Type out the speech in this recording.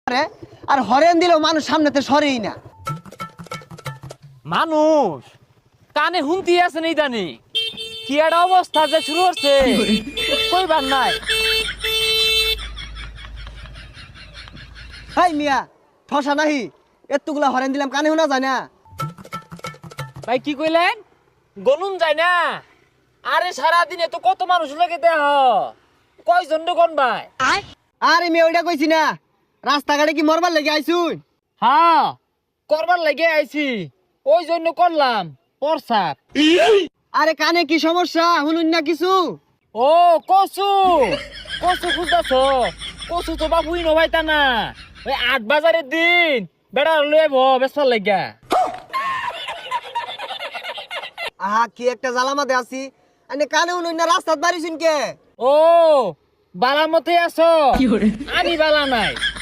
আর horn দিলেও মানুষ সামনেতে সরেই না। মানুষ কানে হুনতি আছে নেই জানি কি একটা অবস্থা যে শুরু হচ্ছে কইবার নাই। হাই মিয়া ঠসা নাহি, এতগুলা হরেন দিলাম কানে শোনা যায় না। ভাই কি কইলেন? গনুন যায় না? আরে সারাদিনে তো কত মানুষ লাগে দেহ, কয়জন কোন ভাই? আরে মেয়ে ওইটা কইছি না, রাস্তাঘাটে কি মরবার লেগে আইছুন? হ্যাঁ করবার লাগে আইছি, ওই জন্য করলাম প্রসাব। আরে কানে কি সমস্যা শুনুন না কিছু? ও কসু কসু খুঁজতেছ? কসু তো বাবুই নবাইতা না, ওই ৮ বাজারের দিন বেড়া লয়ে বেসার লাগা। আহা কি একটা জ্বালামাতে আছি, আনে কানে শুনুন না রাস্তাত বাড়িছুন কে? ও বালা মতে আছো? আমি বালা নাই,